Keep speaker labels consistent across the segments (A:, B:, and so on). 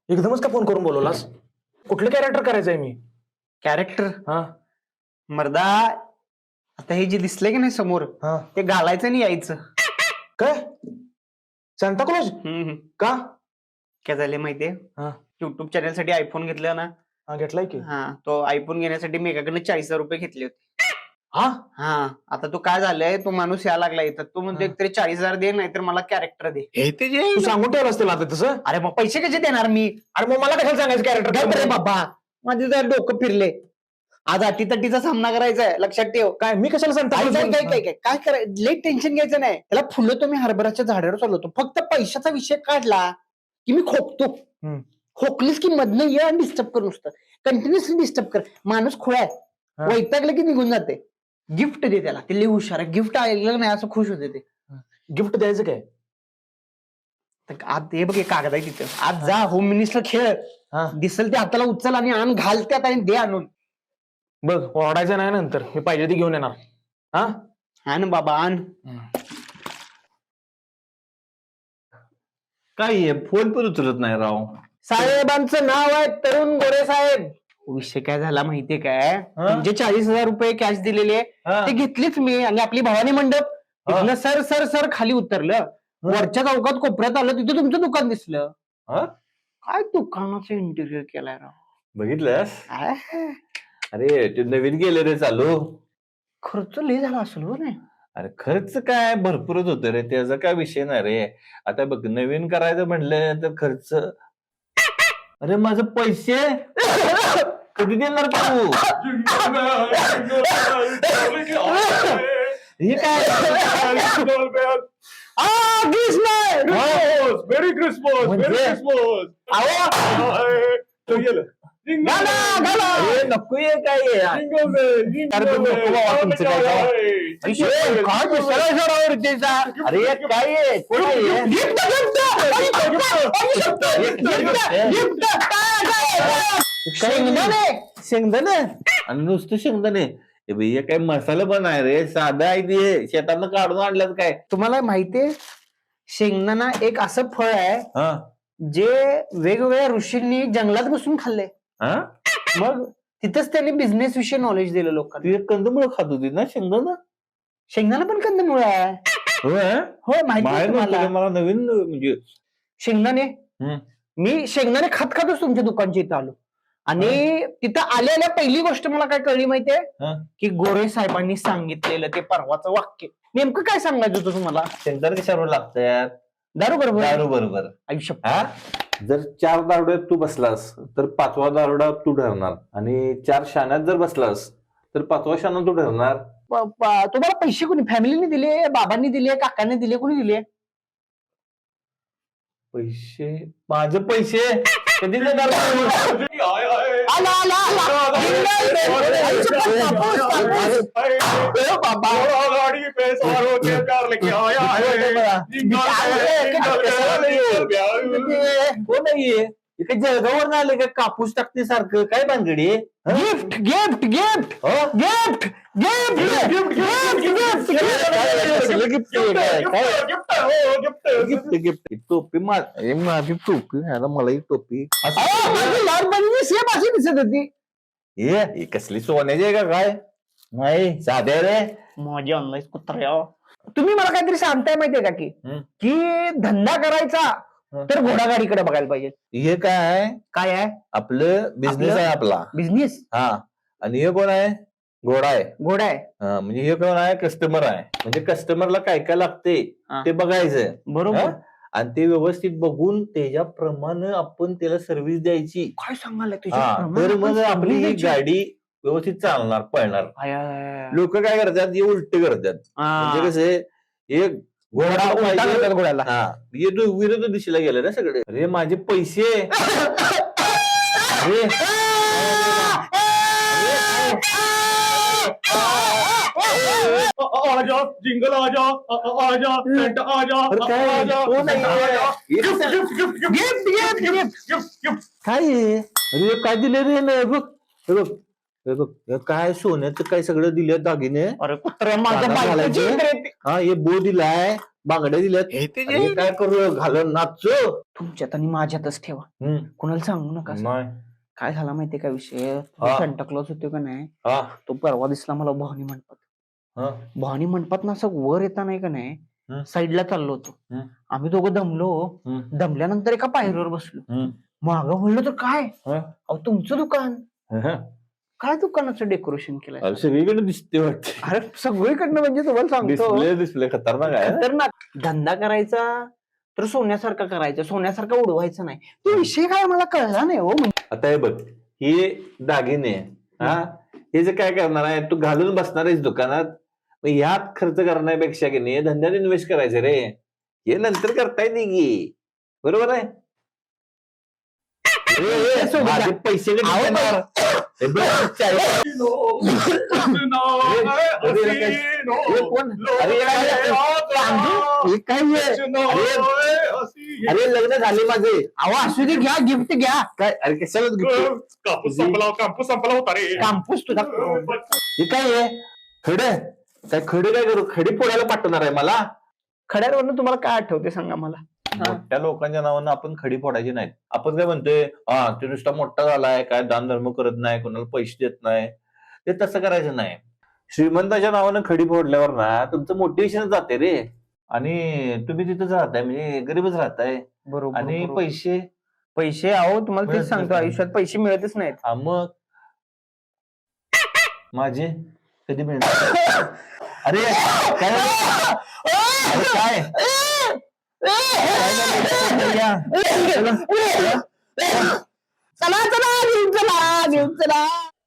A: एकदमच का फोन करून बोलवलास? कुठलं कॅरेक्टर करायचंय मी?
B: कॅरेक्टर
A: हा
B: मर्दा, आता हे जे दिसलंय की नाही समोर,
A: हा
B: ते घालायचं आणि यायचं.
A: काय सांता क्लॉज? का?
B: काय झाले माहितीये,
A: हा
B: युट्यूब चॅनल साठी आयफोन घेतला ना.
A: हा घेतलाय की.
B: हा, तो आयफोन घेण्यासाठी मी एकाकडनं 40,000 रुपये घेतले होते.
A: हा
B: हा, आता तो काय झालंय, तो माणूस यायला लागला इथं. तो म्हणतो
A: हा.
B: एकतरी 40,000 दे, नाहीतर मला कॅरेक्टर दे.
A: तू सांगून ठेवलं असतं आता तसं.
B: अरे मग पैसे कसे देणार मी?
A: अरे मग मला कशाला सांगायचं
B: काय
A: कॅरेक्टर?
B: रे बाबा, माझे जर डोकं फिरले. आज अटीतटीचा सामना करायचा आहे, लक्षात ठेव.
A: काय मी कशाला सांगता?
B: काय करायचं, लई टेन्शन घ्यायचं नाही. त्याला फुलं तो मी हरभराच्या झाडावर चालवतो. फक्त पैशाचा विषय काढला की मी खोकतो. खोकलीस की मधनं ये आणि डिस्टर्ब कर, नुसतं कंटिन्युअसली डिस्टर्ब कर. माणूस खुळा आहे,
A: हा.
B: वैतागलं की निघून जाते. गिफ्ट दे त्याला, ते लई हुशार आहे. गिफ्ट ऐकलं नाही असं खुश होते ते.
A: गिफ्ट द्यायचं काय?
B: तर आज हे बघ, हे कागद आहे तिथं. आज जा होम मिनिस्टर खेळ,
A: हा
B: दिसल ते हाताला उचल आणि आण, घाल त्यात आणि दे आणून.
A: बघ, ओरडायचं नाही नंतर. मी पाहिजे ती घेऊन येणार. हा
B: आण बाबा आण.
C: काय फोन पण उचलत नाही राव.
B: साहेबांचं नाव आहे तरुण गोरे साहेब. विषय काय झाला माहितीये काय, म्हणजे 40,000 रुपये कॅश दिलेले ते घेतलेच मी, आणि आपली भवानी मंडप तिथनं सर सर सर खाली उतरलं. वरच्या चौकात कोपऱ्यात आलं, तिथे तुमचं दुकान दिसलं. काय दुकानाचं इंटिरियर केलाय राव.
C: बघितलंस?
B: काय
C: अरे ते नवीन गेले रे चालू.
B: खर्च लय झाला असेल हो नाही?
C: अरे खर्च काय भरपूरच होतं रे, त्याचा काय विषय नाही रे. आता बघ, नवीन करायचं म्हणलं तर खर्च. अरे माझं पैसे कधी देणार तू? हे काय?
A: Merry Christmas.
C: अरे नको ये काय आहे? अरे काय आहे? कोण आहे? शेंगदाणे आणि नुसतं शेंगदाणे? हे बाई, हे काय मसाला पण आहे रे, साधा आहे ते, शेतातनं काढून आणलं काय?
B: तुम्हाला माहितीये, शेंगदाणा एक असं फळ आहे
C: हा
B: जे वेगवेगळ्या ऋषींनी जंगलात बसून खाल्ले.
C: हा
B: मग तिथंच त्यांनी बिझनेस विषयी नॉलेज दिलं लोकांना.
C: तू एक कंदमुळं खात होती ना शेंगदाणा?
B: शेंगदाणा पण कंदमुळ आहे.
C: होय?
B: हो, माहिती आहे
C: बाहेर
B: तुम्हाला.
C: नव्हतं, मला नवीन म्हणजे.
B: शेंगदाणे
C: हम्म.
B: मी शेंगदाणे खात खातच तुमच्या दुकानच्या इथं आलो, आणि तिथं आल्या पहिली गोष्ट मला काय कळली माहितीये,
C: हा.
B: की गोरे साहेबांनी सांगितलेलं ते परवाचं वाक्य. नेमकं काय सांगायचं होतं तुम्हाला?
C: शेंगदाणे कशावर लागतात?
B: दारू बरोबर.
C: दारू बरोबर.
B: आयुष्य
C: हा, जर 4 दारुड्यात तू बसलास तर 5वा दारुडा तू ठरणार, आणि 4 शाण्यात जर बसलास तर 5वा शाणा तू ठरणार.
B: तुम्हाला पैसे कोणी, फॅमिलीने दिले, बाबांनी दिले, काकांनी दिले, कोणी दिले?
C: पैसे? माझे पैसे कधी देणार तू?
B: आला, आला, आला.
C: कोण नाहीये? इकडे जळगाववर आले का कापूस टाकते सारखं? काय भानगडी?
B: Gift gift gift gift
C: gift gift टोपी माझी टोपी, मला एक टोपी.
B: लहानपणी सेम अशी दिसत होती.
C: हे कसली सोन्याची आहे का काय? नाही, साध्या रे.
B: माझी ऑनलाईन कुत्र्या. तुम्ही मला काहीतरी सांगताय माहितीये का, की धंदा करायचा तर घोडागाडीकडे बघायला पाहिजे.
C: हे काय आहे?
B: काय आहे?
C: आपलं बिझनेस आहे आपला.
B: बिझनेस.
C: हा, आणि हे कोण आहे? घोडा आहे.
B: घोडा आहे.
C: हा, म्हणजे हे कोण आहे? कस्टमर आहे. म्हणजे कस्टमरला काय काय लागते ते बघायचं.
B: बरोबर.
C: आणि ते व्यवस्थित बघून त्याच्याप्रमाणे आपण त्याला सर्व्हिस द्यायची.
B: काय सांगायला
C: तर मग आपली ही गाडी व्यवस्थित चालणार, पळणार. लोक काय करतात? हे उलट करतात. म्हणजे कसं, हे घोडा पाहिजे
B: घोड्याला.
C: हा, हे विरुद्ध दिशेला गेलं ना सगळे. अरे माझे पैसे. अरे
A: आजा जिंगल आजा आजा सेंटा आजा
C: काय आहे? अरे काय दिले रे? बघ हे बघ, हे बघ, हे काय सोन्याचं काय सगळं दिलं दागिने.
B: अरे कुत्र्या, माझ्या बायकोची.
C: हा, हे बो दिलाय, बांगड्या दिल्यात अरे काय करू घालून नाचो
B: तुमच्यात आणि माझ्यातच ठेवा, कुणाला सांगू नका असं.
C: नाही.
B: काय झाला माहितीये का विषय,
C: हा.
B: सेंटा क्लॉज होतो का नाही,
C: हा,
B: तो परवा दिसला मला भवानी मंडपात.
C: हा.
B: भवानी मंडपात ना असं वर येता नाही का नाही,
C: हं.
B: साईडला चाललो होतो.
C: हं.
B: आम्ही दोघं दमलो,
C: हं.
B: दमल्यानंतर एका पायरीवर बसलो.
C: हं.
B: मागं बोललो तर काय,
C: हा.
B: अहो तुमचं दुकान,
C: हा.
B: काय दुकानाचं डेकोरेशन केलंय.
C: अरे सगळीकडे दिसते वाटते
B: अरे सगळीकडनं म्हणजे तुम्हाला सांगतो,
C: डिस्प्ले खतरनाक आहे
B: खतरनाक. धंदा करायचा तर सोन्यासारखा करायचा, सोन्यासारखा उडवायचं नाही. तो विषय काय मला कळला नाही हो.
C: आता हे बघ हे दागिने हा हे जे काय करणार आहे तू घालून बसणार आहेस दुकानात मग ह्यात खर्च करण्यापेक्षा की नाही धंद्यात इन्व्हेस्ट करायचं रे हे नंतर करता येते की बरोबर आहे माझे पैसे कधी देणार? हे बघ, हे कोण? अरे
B: हे काय
C: अरे लग्न झाले माझे
B: अहो असू दे, घ्या गिफ्ट घ्या.
C: काय अरे कशाला gift?
D: कापूस संपला होता रे.
B: कांपूस तुझा
C: हे काय आहे खडे काय खडे काय करू खडी पोळ्याला पाठवणार आहे मला
B: खड्यावरनं तुम्हाला काय आठवते सांगा मला.
C: मोठ्या लोकांच्या नावानं आपण खडी फोडायची नाहीत आपण काय म्हणतोय हा ते नुसता मोठा झालाय काय दान धर्म करत नाही कोणाला पैसे देत नाही ते तसं करायचं नाही श्रीमंताच्या नावानं खडी फोडल्यावर ना तुमचं मोटिवेशन जाते रे आणि तुम्ही तिथंच राहताय म्हणजे गरीबच राहताय
B: बरोबर.
C: आणि पैसे
B: पैसे अहो तुम्हाला तेच
C: मिळत
B: सांगतो,
C: नाही.
B: आयुष्यात पैसे मिळतच नाहीत.
C: हा मग माझे कधी मिळणार अरे काय अरे काय
B: चला चला घेऊन चला घेऊन चला.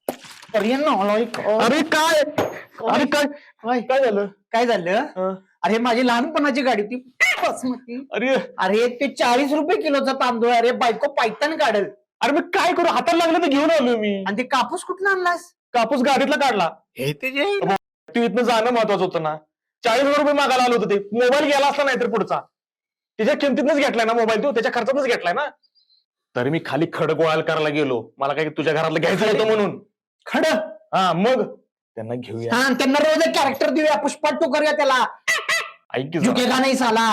B: अरे काय अरे काय काय झालं काय झालं. अरे माझी लहानपणाची गाडी होती बासमती. अरे ते 40 रुपये किलोचा तांदूळ. अरे बायको पायतान काढेल.
A: अरे मी काय करू हाताला लागलं तर घेऊन आलो मी.
B: आणि ते कापूस कुठला आणलास.
A: कापूस गाडीतला काढला. तू इथनं जाणं महत्वाचं होतं ना. 40,000 रुपये मागायला आलो होतं ते. मोबाईल गेला असला नाही तर पुढचा त्याच्या किमतीतनच घेतलाय ना मोबाईल, तो त्याच्या खर्चातच घेतलाय ना. तर मी खाली खड गोळा करायला गेलो, मला काय तुझ्या घरातलं घ्यायचं होतं म्हणून.
B: खड
A: हा मग त्यांना घेऊया.
B: हा त्यांना रोज एक कॅरेक्टर देऊया, पुष्पा टू करूया त्याला.
A: ऐक की जरा.
B: झुकेगा नाही साला.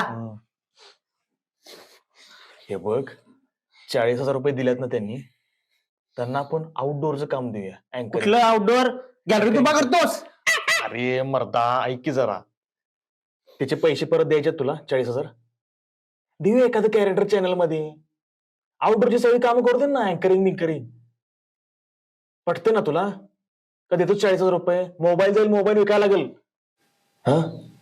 A: हे बघ 40,000 रुपये दिलेत ना त्यांनी, त्यांना आपण आउटडोअरचं काम देऊया. अँकर.
B: कुठलं आउटडोअर गॅलरी उभा करतोस.
A: अरे मर्दा ऐक की जरा, त्याचे पैसे परत द्यायचे तुला 40,000 देऊया एखादं कॅरेक्टर चॅनल मध्ये. आउटडोअरची सगळी कामं करतो ना, अँकरिंग बिंकरिंग. पटते ना तुला? का देतो 40,000 रुपये? मोबाईल जाईल, मोबाईल विकायला लागेल. हा